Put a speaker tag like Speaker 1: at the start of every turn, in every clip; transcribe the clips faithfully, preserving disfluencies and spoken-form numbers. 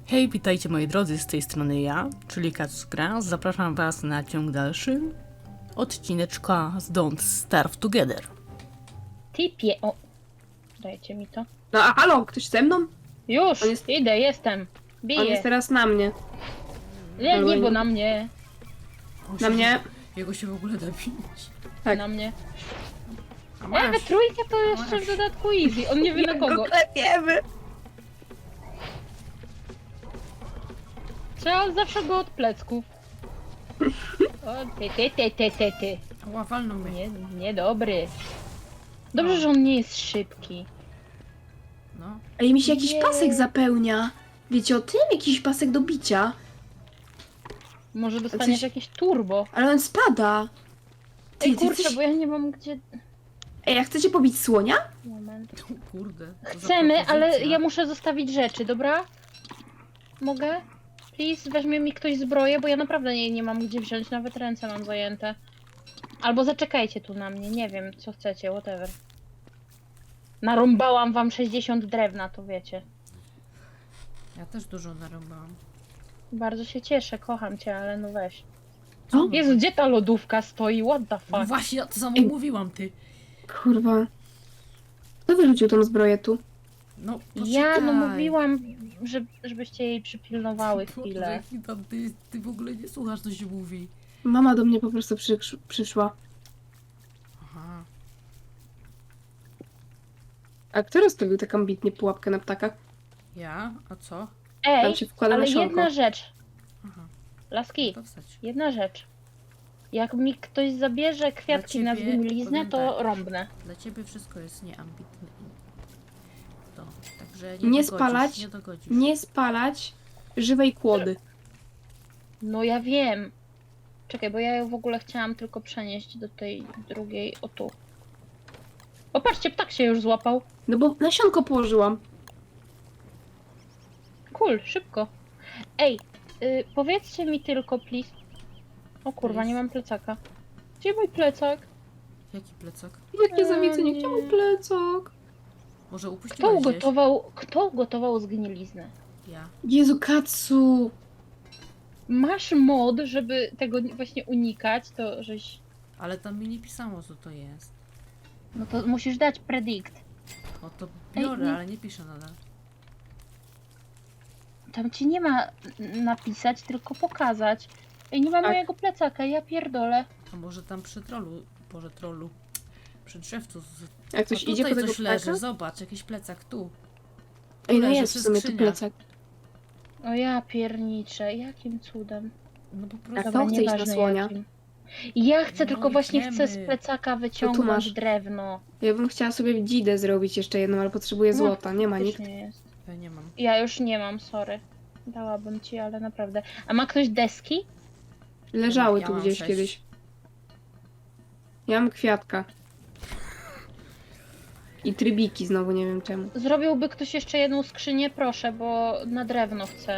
Speaker 1: Hej, witajcie moi drodzy, z tej strony ja, czyli Kacus Gra. Zapraszam was na ciąg dalszy odcineczka z Don't Starve Together.
Speaker 2: Typie, o, dajcie mi to.
Speaker 3: No a halo, ktoś ze mną?
Speaker 2: Już,
Speaker 3: On jest-
Speaker 2: idę, jestem.
Speaker 3: On
Speaker 2: Biję.
Speaker 3: jest teraz na mnie.
Speaker 2: Nie, nie, bo na mnie.
Speaker 3: Na mnie.
Speaker 1: Jego się w ogóle da bić.
Speaker 3: Tak.
Speaker 2: Na mnie.
Speaker 1: A
Speaker 2: E,
Speaker 1: masz.
Speaker 2: we trójkę to jeszcze w dodatku easy. On nie wie na kogo.
Speaker 3: klepiemy.
Speaker 2: Trzeba zawsze go od plecków. O, ty, ty, ty, ty, ty, ty.
Speaker 1: Ła, walnął mnie.
Speaker 2: Nie, niedobry. Dobrze,
Speaker 1: No.
Speaker 2: że on nie jest szybki.
Speaker 1: No.
Speaker 3: Ej, mi się jakiś
Speaker 2: Nie.
Speaker 3: pasek zapełnia. Wiecie o tym? Jakiś pasek do bicia.
Speaker 2: Może dostaniesz
Speaker 3: Coś-
Speaker 2: jakieś turbo.
Speaker 3: Ale on spada. Ty,
Speaker 2: Ej,
Speaker 3: ty
Speaker 2: kurczę,
Speaker 3: coś...
Speaker 2: bo ja nie mam gdzie...
Speaker 3: Ej, a chcecie pobić słonia?
Speaker 2: Moment.
Speaker 1: O kurde. to za
Speaker 2: Chcemy, ale
Speaker 1: propozycja.
Speaker 2: ja muszę zostawić rzeczy, dobra? Mogę? Please, weźmie mi ktoś zbroję, bo ja naprawdę nie, nie mam gdzie wziąć, nawet ręce mam zajęte. Albo zaczekajcie tu na mnie, nie wiem, co chcecie, whatever. Narąbałam wam sześćdziesiąt drewna, to wiecie.
Speaker 1: Ja też dużo narąbałam.
Speaker 2: Bardzo się cieszę, kocham cię, ale no weź.
Speaker 3: O,
Speaker 2: Jezu, gdzie ta lodówka stoi? What the
Speaker 1: No
Speaker 2: fuck?
Speaker 1: właśnie, ja to samo
Speaker 3: Ej.
Speaker 1: mówiłam, ty.
Speaker 3: kurwa. Kto wyrzucił tą zbroję tu?
Speaker 1: No,
Speaker 2: Ja, no
Speaker 1: poczekaj.
Speaker 2: mówiłam, że, żebyście jej przypilnowały
Speaker 1: Boże,
Speaker 2: chwilę.
Speaker 1: jaki tam Ty, ty w ogóle nie słuchasz, co się mówi.
Speaker 3: Mama do mnie po prostu przysz- przyszła.
Speaker 1: Aha.
Speaker 3: A kto rozstawił taką ambitnie pułapkę na ptakach?
Speaker 1: Ja? A co?
Speaker 2: Ej,
Speaker 3: Tam się wkłada
Speaker 2: ale
Speaker 3: nasionko.
Speaker 2: jedna rzecz.
Speaker 1: Aha.
Speaker 2: Laski,
Speaker 1: To wstać.
Speaker 2: jedna rzecz. Jak mi ktoś zabierze kwiatki na
Speaker 1: ciebie
Speaker 2: zgniliznę,
Speaker 1: powiem
Speaker 2: to
Speaker 1: tak.
Speaker 2: rąbnę.
Speaker 1: Dla ciebie wszystko jest nieambitne. To, także nie,
Speaker 3: Nie
Speaker 1: dogodzisz,
Speaker 3: spalać,
Speaker 1: nie dogodzisz.
Speaker 3: Nie spalać żywej kłody.
Speaker 2: No ja wiem. Czekaj, bo ja ją w ogóle chciałam tylko przenieść do tej drugiej, o tu. O, patrzcie, ptak się już złapał.
Speaker 3: No bo nasionko położyłam.
Speaker 2: Cool, szybko. Ej, y, powiedzcie mi tylko, please. O kurwa, nie mam plecaka. Gdzie mój plecak?
Speaker 1: Jaki plecak?
Speaker 3: Jakie
Speaker 2: A,
Speaker 3: zawiedzenie,
Speaker 2: nie.
Speaker 3: gdzie mój plecak?
Speaker 1: Może
Speaker 2: Kto
Speaker 1: upuściłaś gdzieś?
Speaker 2: ugotował, kto ugotował zgniliznę?
Speaker 1: Ja.
Speaker 3: Jezu, Katsu!
Speaker 2: Masz mod, żeby tego właśnie unikać, to żeś...
Speaker 1: Ale tam mi nie pisało, co to jest.
Speaker 2: No to musisz dać predict.
Speaker 1: O, to
Speaker 2: Ej,
Speaker 1: biorę,
Speaker 2: nie-
Speaker 1: ale nie piszę nadal.
Speaker 2: Tam ci nie ma n- napisać, tylko pokazać. Ej, nie ma
Speaker 3: Tak.
Speaker 2: mojego plecaka, ja pierdolę.
Speaker 1: A może tam przy trollu, boże trollu, przy drzewcu. Z...
Speaker 3: Jak ktoś
Speaker 1: A
Speaker 3: idzie
Speaker 1: tutaj
Speaker 3: po tego
Speaker 1: coś leży,
Speaker 3: ptaka?
Speaker 1: zobacz, jakiś plecak tu.
Speaker 3: Ej, no
Speaker 1: leży
Speaker 3: jest w
Speaker 1: przy
Speaker 3: sumie tu
Speaker 1: skrzyniach.
Speaker 3: plecak.
Speaker 2: O ja pierniczę, jakim cudem.
Speaker 1: No po
Speaker 3: A
Speaker 1: prostu.
Speaker 3: kto chce iść na
Speaker 2: nieważne
Speaker 3: słonia?
Speaker 2: jakim. Ja chcę,
Speaker 1: No,
Speaker 2: tylko właśnie
Speaker 1: idziemy.
Speaker 2: chcę z plecaka wyciągnąć
Speaker 3: masz.
Speaker 2: drewno.
Speaker 3: Ja bym chciała sobie dzidę zrobić jeszcze jedną, ale potrzebuję
Speaker 2: No,
Speaker 3: złota. Nie ma nikt.
Speaker 2: Faktycznie jest.
Speaker 1: Ja nie mam.
Speaker 2: Ja już nie mam, sorry. Dałabym ci, ale naprawdę. A ma ktoś deski?
Speaker 3: Leżały
Speaker 1: Ja
Speaker 3: tu
Speaker 1: mam
Speaker 3: gdzieś
Speaker 1: sześć.
Speaker 3: kiedyś. Ja mam kwiatka. I trybiki znowu, nie wiem czemu.
Speaker 2: Zrobiłby ktoś jeszcze jedną skrzynię, proszę, bo na drewno chcę.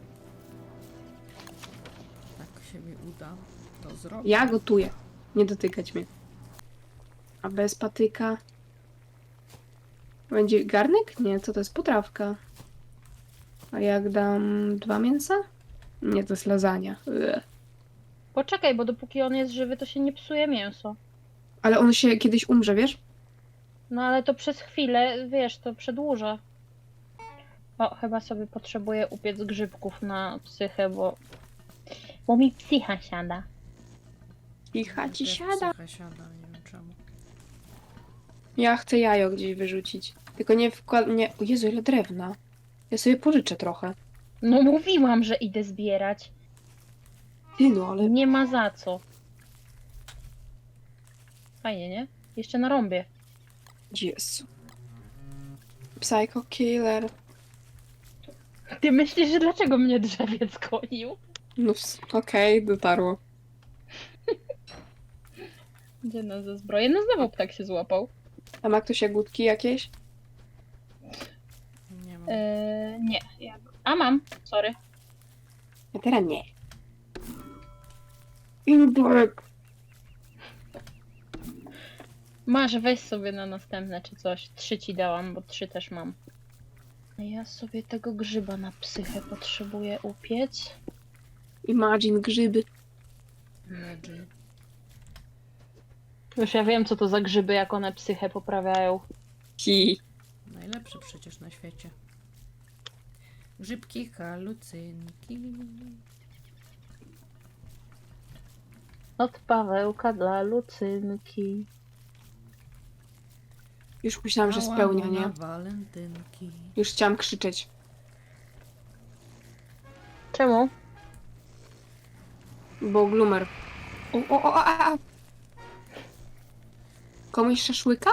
Speaker 1: Tak się mi uda to zrobić.
Speaker 3: Ja gotuję. Nie dotykać mnie. A bez patyka... Będzie garnek? Nie, co to jest? Potrawka. A jak dam dwa mięsa? Nie, to jest lasagna. Ugh.
Speaker 2: Poczekaj, bo dopóki on jest żywy, to się nie psuje mięso.
Speaker 3: Ale on się kiedyś umrze, wiesz?
Speaker 2: No ale to przez chwilę, wiesz, to przedłuża. O, chyba sobie potrzebuję upiec grzybków na psychę, bo... Bo mi psycha siada.
Speaker 3: I chaci
Speaker 1: Też
Speaker 3: siada.
Speaker 1: psycha siada, nie wiem czemu.
Speaker 3: Ja chcę jajo gdzieś wyrzucić. Tylko nie wkład... Nie... O Jezu, ile drewna. Ja sobie pożyczę trochę.
Speaker 2: No mówiłam, że idę zbierać.
Speaker 3: Ty no, ale...
Speaker 2: Nie ma za co. Fajnie, nie? Jeszcze na rąbie.
Speaker 3: Jezu. Psycho killer.
Speaker 2: Ty myślisz, że dlaczego mnie drzewiec gonił?
Speaker 3: No ws- okej, dotarło.
Speaker 2: Gdzie nas ze zbroję? No znowu ptak się złapał.
Speaker 3: A ma ktoś jagódki jakieś?
Speaker 1: Nie mam.
Speaker 2: Eee, nie. Ja... A mam, sorry.
Speaker 3: A teraz nie. Indrek.
Speaker 2: Masz, weź sobie na następne czy coś. Trzy ci dałam, bo trzy też mam. Ja sobie tego grzyba na psychę potrzebuję upiec.
Speaker 3: Imagine grzyby.
Speaker 1: Imagine.
Speaker 2: Już ja wiem, co to za grzyby, jak one psychę poprawiają.
Speaker 3: Hi.
Speaker 1: Najlepszy przecież na świecie. Grzybki, halucynki.
Speaker 2: Od Pawełka dla Lucynki.
Speaker 3: Już myślałam, że
Speaker 1: Mała
Speaker 3: spełnia,
Speaker 1: na
Speaker 3: nie?
Speaker 1: walentynki.
Speaker 3: Już chciałam krzyczeć.
Speaker 2: Czemu?
Speaker 3: Bo glumer. O, o, o, a, a. Komuś szaszłyka?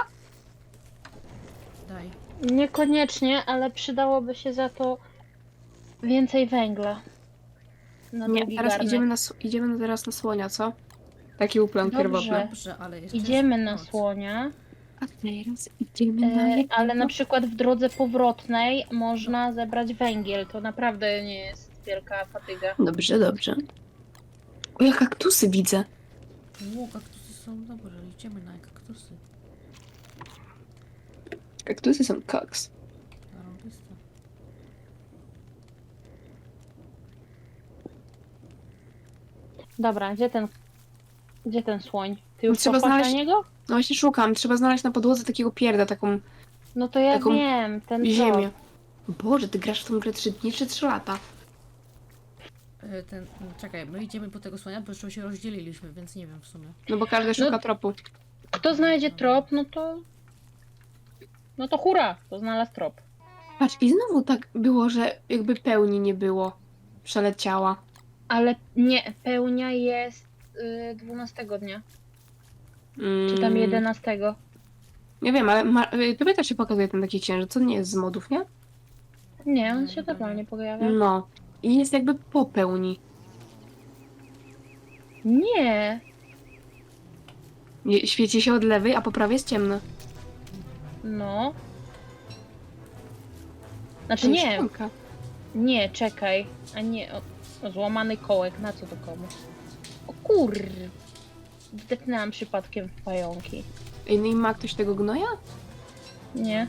Speaker 1: Daj.
Speaker 2: Niekoniecznie, ale przydałoby się za to więcej węgla. Na
Speaker 3: Nie,
Speaker 2: drugi
Speaker 3: teraz
Speaker 2: garnek.
Speaker 3: idziemy, na, s- idziemy na- teraz na słonia, co? Taki był plan
Speaker 2: Dobrze.
Speaker 3: pierwotny.
Speaker 1: Dobrze, ale jeszcze
Speaker 2: Idziemy
Speaker 1: jest
Speaker 2: na
Speaker 1: noc.
Speaker 2: słonia,
Speaker 3: A teraz idziemy na
Speaker 2: e,
Speaker 3: jednego.
Speaker 2: ale na przykład w drodze powrotnej można zebrać węgiel. To naprawdę nie jest wielka fatyga.
Speaker 3: Dobrze, dobrze. O, ja kaktusy widzę.
Speaker 1: Ło, kaktusy są dobre, idziemy na kaktusy.
Speaker 3: Kaktusy są koks.
Speaker 1: Zarąbiste.
Speaker 2: Dobra, gdzie ten, gdzie ten słoń? Ty już
Speaker 3: Trzeba
Speaker 2: poszłaś
Speaker 3: znaleźć-
Speaker 2: na niego?
Speaker 3: No właśnie szukam. Trzeba znaleźć na podłodze takiego pierda, taką
Speaker 2: No to ja
Speaker 3: Taką
Speaker 2: wiem, ten
Speaker 3: ziemię. Boże, ty grasz w tą grę trzy dni czy trzy lata?
Speaker 1: E, Ten, czekaj, my idziemy po tego słonia, bo jeszcze się rozdzieliliśmy, więc nie wiem w sumie.
Speaker 3: No bo każdy szuka
Speaker 2: No-
Speaker 3: tropu.
Speaker 2: Kto znajdzie trop, no to... No to hura, to znalazł trop.
Speaker 3: Patrz, i znowu tak było, że jakby pełni nie było. Przeleciała.
Speaker 2: Ale nie, pełnia jest y, dwunastego dnia,
Speaker 3: Mm,
Speaker 2: czy tam jedenastego.
Speaker 3: Nie wiem, ale ma... y, tobie też się pokazuje ten taki księżyc, co nie jest z modów, nie?
Speaker 2: Nie, on
Speaker 1: Nie,
Speaker 2: się
Speaker 1: chyba
Speaker 2: normalnie
Speaker 1: nie.
Speaker 2: pojawia.
Speaker 3: No. I jest jakby po pełni.
Speaker 2: Nie,
Speaker 3: Nie- Świeci się od lewej, a po prawej jest ciemno.
Speaker 2: no. Znaczy
Speaker 3: To jest
Speaker 2: nie,
Speaker 3: szklanka.
Speaker 2: nie, czekaj. A nie, o, o, złamany kołek, na co to komu? O kur... Wdepnęłam przypadkiem w pająki.
Speaker 3: Ej, no i ma ktoś tego gnoja?
Speaker 2: Nie.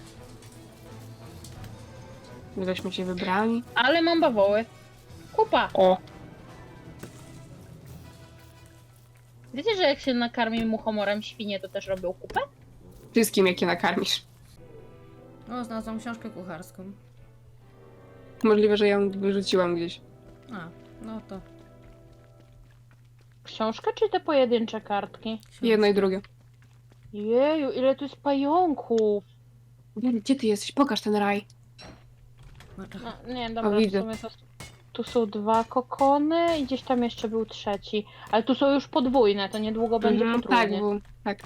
Speaker 3: Żeśmy się wybrali.
Speaker 2: Ale mam bawoły. Kupa!
Speaker 3: O!
Speaker 2: Wiecie, że jak się nakarmi muchomorem świnie, to też robią kupę?
Speaker 3: Wszystkim, jakie nakarmisz.
Speaker 1: O, znalazłam książkę kucharską.
Speaker 3: Możliwe, że ja ją wyrzuciłam gdzieś.
Speaker 1: A, no to.
Speaker 2: Książkę czy te pojedyncze kartki?
Speaker 1: książka.
Speaker 3: Jedno i drugie.
Speaker 2: Jeju, ile tu jest pająków!
Speaker 3: Wiem, gdzie ty jesteś? Pokaż ten raj.
Speaker 1: No, czekaj.
Speaker 2: No, nie, dobra, w
Speaker 3: widzę.
Speaker 2: sumie to... Tu są dwa kokony i gdzieś tam jeszcze był trzeci. Ale tu są już podwójne, to niedługo będzie
Speaker 3: Mhm, tak,
Speaker 2: potrójnie.
Speaker 3: bo, tak.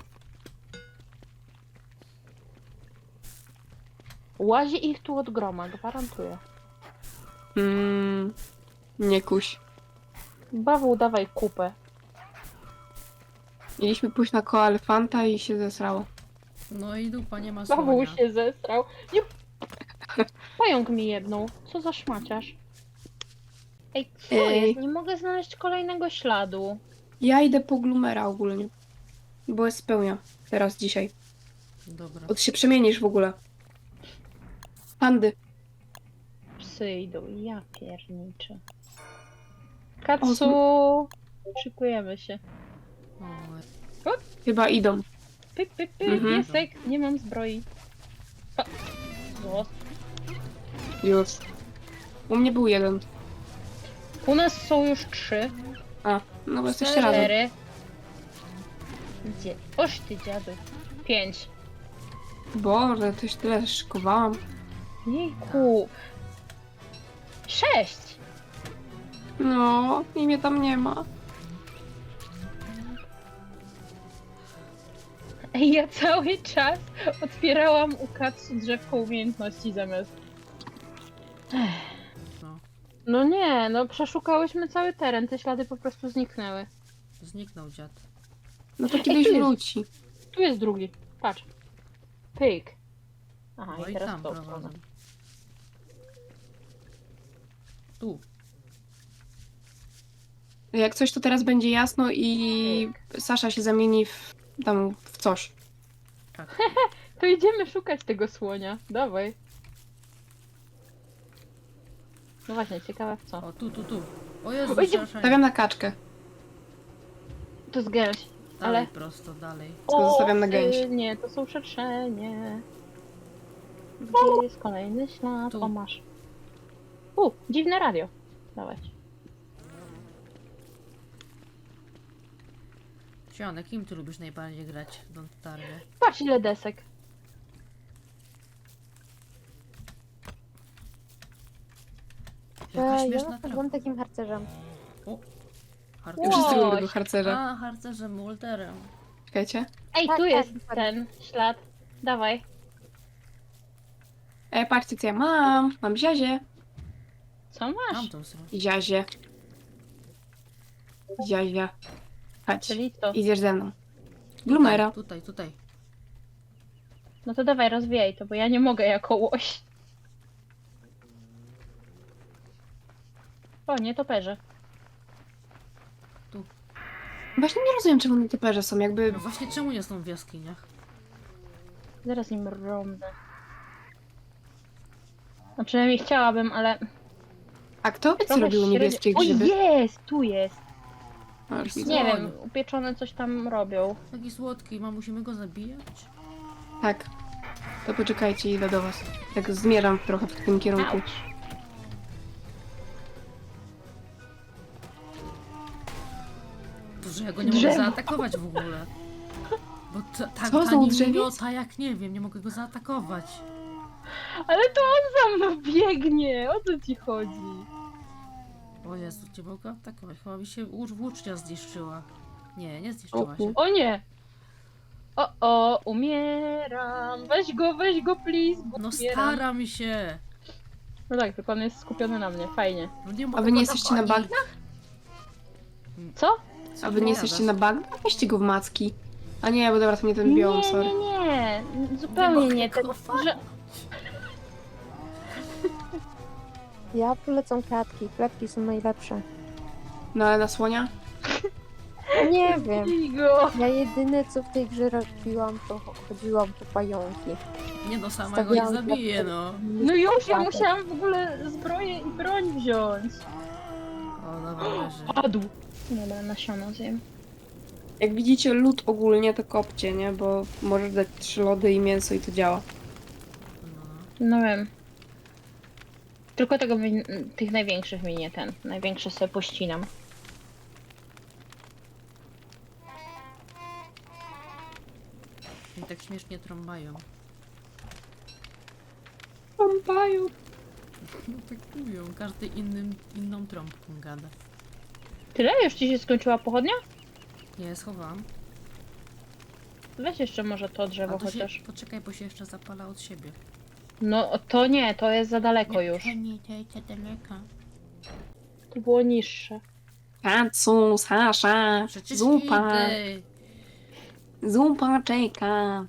Speaker 2: Łazi ich tu od groma, gwarantuję.
Speaker 3: Mm, nie kuś.
Speaker 2: Bawu, dawaj kupę.
Speaker 3: Mieliśmy pójść na koalefanta i się zesrało.
Speaker 1: No i dupa, nie ma
Speaker 2: Bawu
Speaker 1: słonia.
Speaker 2: się zestrał. Nie... Pająk mi jedną. Co za szmaciarz. Ej, co
Speaker 3: Ej.
Speaker 2: jest? Nie mogę znaleźć kolejnego śladu.
Speaker 3: Ja idę po Glumera ogólnie. Bo jest spełnia. Teraz, dzisiaj.
Speaker 1: Dobra.
Speaker 3: Od się przemienisz w ogóle. Pandy.
Speaker 2: Psy idą, ja pierniczę.
Speaker 3: O,
Speaker 2: Katsu! Szykujemy się.
Speaker 1: O,
Speaker 3: Chyba idą.
Speaker 2: Pyk, pyk, pyk,
Speaker 3: Mhm.
Speaker 2: piesek, nie mam zbroi. O, zło.
Speaker 3: Już. U mnie był jeden.
Speaker 2: U nas są już trzy,
Speaker 3: A, no bo jesteście razem.
Speaker 2: cztery. Gdzie? Oż ty dziadu. Pięć.
Speaker 3: Boże, coś tyle szykowałam.
Speaker 2: Jejku. Sześć.
Speaker 3: No, i mnie tam nie ma.
Speaker 2: Ej, ja cały czas otwierałam u Katsu drzewko umiejętności zamiast... Ech.
Speaker 1: no.
Speaker 2: No nie, no przeszukałyśmy cały teren, te ślady po prostu zniknęły.
Speaker 1: Zniknął dziad.
Speaker 3: No to kiedyś
Speaker 2: tu jest.
Speaker 3: wróci.
Speaker 2: Tu jest drugi, patrz. Pyk. Aha,
Speaker 1: No
Speaker 2: i
Speaker 1: i
Speaker 2: teraz
Speaker 1: tam
Speaker 2: to.
Speaker 1: prowadzą. Tu.
Speaker 3: Jak coś, to teraz będzie jasno i Sasza się zamieni w tam w coś.
Speaker 1: Tak.
Speaker 2: To idziemy szukać tego słonia. Dawaj. No właśnie, ciekawe w co.
Speaker 1: O, tu, tu, tu. O Jezu,
Speaker 2: Oj, nie-
Speaker 1: strasznie.
Speaker 3: Stawiam na kaczkę.
Speaker 2: To jest gęś.
Speaker 1: Dalej,
Speaker 2: ale-
Speaker 1: prosto, dalej.
Speaker 3: Tylko zostawiam na
Speaker 2: y,
Speaker 3: gęsi.
Speaker 2: Nie, to są szerszenie. Gdzie jest kolejny ślad?
Speaker 1: Tu.
Speaker 2: O, masz. U, dziwne radio. Dawać.
Speaker 1: Sionek, kim ty lubisz najbardziej grać w Don't Starve?
Speaker 2: Patrz ile desek.
Speaker 1: Jaka
Speaker 4: E,
Speaker 1: śmieszna
Speaker 4: ja
Speaker 1: trawa.
Speaker 4: byłam takim harcerzem.
Speaker 1: Harcer.
Speaker 3: Ja wszyscy lubią
Speaker 2: Łoś.
Speaker 3: tego harcerza.
Speaker 1: A, harcerzem, Walterem.
Speaker 3: Czekajcie.
Speaker 2: Ej,
Speaker 4: Tak,
Speaker 2: tu
Speaker 4: tak,
Speaker 2: jest
Speaker 4: dokładnie.
Speaker 2: ten ślad. Dawaj.
Speaker 3: E, patrzcie co ja mam. Mam ziazie.
Speaker 2: Co
Speaker 1: Mam
Speaker 2: masz?
Speaker 1: tą stronę.
Speaker 3: Ziazie. Ziazia. Chodź.
Speaker 2: Czyli to.
Speaker 3: Idziesz ze mną. Glumera.
Speaker 1: Tutaj, tutaj.
Speaker 2: No to dawaj, rozwijaj to, bo ja nie mogę jako łoś. O, nie toperze.
Speaker 3: Właśnie nie rozumiem, czemu nietoperze są. Jakby...
Speaker 1: No właśnie, czemu nie są w jaskiniach?
Speaker 2: Zaraz im rąbnę. No przynajmniej chciałabym, ale...
Speaker 3: A kto wie, co
Speaker 2: trochę
Speaker 3: robił
Speaker 2: średnio-
Speaker 3: niebieskie
Speaker 2: O,
Speaker 3: grzyby?
Speaker 2: jest! Tu jest!
Speaker 3: O, już widzę.
Speaker 2: Nie
Speaker 1: Dzwoń.
Speaker 2: wiem, upieczone coś tam robią.
Speaker 1: Taki słodki, mam, musimy go zabijać?
Speaker 3: Tak. To poczekajcie, idę do was. Tak zmierzam trochę w tym kierunku.
Speaker 2: Auć.
Speaker 1: To, że ja go nie mogę
Speaker 2: Drzewo.
Speaker 1: zaatakować w ogóle. Bo ta, ta,
Speaker 3: Co,
Speaker 1: ta
Speaker 3: znowu
Speaker 1: nim
Speaker 3: drzewiec?
Speaker 1: miota, jak nie wiem, nie mogę go zaatakować.
Speaker 2: Ale to on za mną biegnie! O co ci chodzi?
Speaker 1: O Jezu, nie mogę atakować. Chyba mi się łóż- włócznia zniszczyła. Nie, nie zniszczyła
Speaker 3: O,
Speaker 1: się.
Speaker 2: O nie! O, o, umieram! Weź go, weź go, please! Bo
Speaker 1: No
Speaker 2: umieram.
Speaker 1: staram się.
Speaker 2: No tak, tylko on jest skupiony na mnie, fajnie.
Speaker 1: No nie mogę
Speaker 3: A wy nie
Speaker 1: go
Speaker 3: jesteście na
Speaker 1: dogonić.
Speaker 3: bagnach?
Speaker 2: Co?
Speaker 1: Co
Speaker 3: A
Speaker 1: ty
Speaker 3: wy nie
Speaker 1: gadasz?
Speaker 3: jesteście na bagnach? Weźcie go w macki. A nie, bo dobra, to nie ten biom,
Speaker 2: Nie,
Speaker 3: sorry.
Speaker 2: nie, nie, zupełnie
Speaker 1: mogę
Speaker 2: nie.
Speaker 1: go
Speaker 2: Ten,
Speaker 1: fajnie.
Speaker 2: że...
Speaker 4: Ja polecam klatki. Klatki są najlepsze.
Speaker 3: No ale na słonia?
Speaker 4: Nie wiem.
Speaker 2: Bij go!
Speaker 4: Ja jedyne co w tej grze robiłam, to chodziłam po pająki.
Speaker 1: Nie no, sama go nie
Speaker 4: Stawiałam
Speaker 1: zabiję,
Speaker 4: klatkę.
Speaker 1: no.
Speaker 2: No już, ja
Speaker 4: Kładę.
Speaker 2: musiałam w ogóle zbroję i broń wziąć.
Speaker 1: O, dobra, leży.
Speaker 2: Padł. Dobra, nasiona zjem.
Speaker 3: Jak widzicie, lód ogólnie to kopcie, nie? Bo możesz dać trzy lody i mięso i to działa.
Speaker 1: No.
Speaker 2: No wiem. Tylko tego mi, tych największych mi nie ten. Największe sobie pościnam.
Speaker 1: I tak śmiesznie trąbają.
Speaker 3: Pompają.
Speaker 1: No tak mówią, każdy innym, inną trąbką gada.
Speaker 2: Tyle? Już ci się skończyła pochodnia?
Speaker 1: Nie, schowałam.
Speaker 2: Weź jeszcze może to drzewo
Speaker 1: A to się,
Speaker 2: chociaż.
Speaker 1: poczekaj, bo się jeszcze zapala od siebie.
Speaker 2: No to nie, to jest za daleko już.
Speaker 1: Nie, nie, nie, nie, daleka.
Speaker 2: To było niższe.
Speaker 3: Kacu, Sasza,
Speaker 1: Przecież
Speaker 3: zupa,
Speaker 1: idę.
Speaker 3: zupa czeka.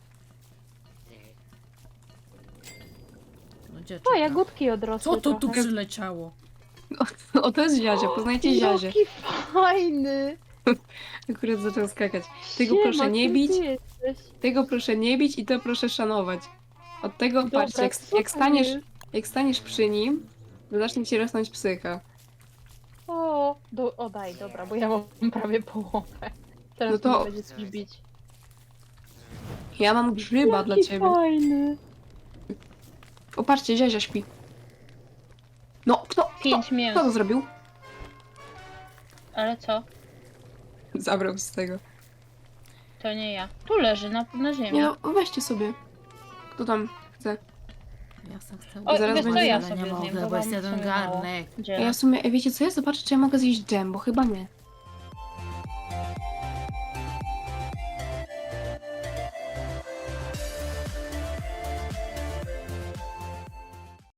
Speaker 1: No, gdzie
Speaker 2: O,
Speaker 1: czeka?
Speaker 2: jagódki odrosły
Speaker 1: Co to tu
Speaker 2: trochę.
Speaker 1: przyleciało?
Speaker 3: O, to jest Ziazia, poznajcie Ziazię.
Speaker 2: Jaki fajny!
Speaker 3: Akurat zaczął skakać. Tego
Speaker 2: Siema,
Speaker 3: proszę nie
Speaker 2: kim
Speaker 3: bić,
Speaker 2: ty jesteś?
Speaker 3: tego proszę nie bić i to proszę szanować. Od tego,
Speaker 2: Dobra,
Speaker 3: patrzcie, jak,
Speaker 2: super
Speaker 3: jak, staniesz,
Speaker 2: jest.
Speaker 3: jak staniesz przy nim, to zacznie ci rosnąć psycha.
Speaker 2: O, do, o daj, dobra, bo ja mam prawie połowę. Teraz
Speaker 3: No to-
Speaker 2: to... będzie coś bić.
Speaker 3: Ja mam grzyba
Speaker 2: Jaki
Speaker 3: dla ciebie.
Speaker 2: fajny!
Speaker 3: O, patrzcie, Ziazia śpi. No, kto, kto,
Speaker 2: Pięć mięs.
Speaker 3: kto to zrobił?
Speaker 2: Ale co?
Speaker 3: Zabrał z tego.
Speaker 2: To nie ja. Tu leży, na, na ziemi.
Speaker 3: Nie no, weźcie sobie. Kto tam chce?
Speaker 1: Ja sam chcę.
Speaker 2: O,
Speaker 3: zaraz
Speaker 2: wiesz co,
Speaker 3: będzie-
Speaker 2: ja
Speaker 1: ale
Speaker 2: sobie
Speaker 1: nie
Speaker 2: zjem,
Speaker 1: mogę,
Speaker 2: bo
Speaker 1: bo jest
Speaker 2: mam
Speaker 1: jeden
Speaker 2: w sumie mało.
Speaker 1: garnek.
Speaker 3: A
Speaker 2: Gdzie?
Speaker 3: ja w sumie, wiecie co, ja zobaczę, czy ja mogę zjeść dżem, bo chyba nie.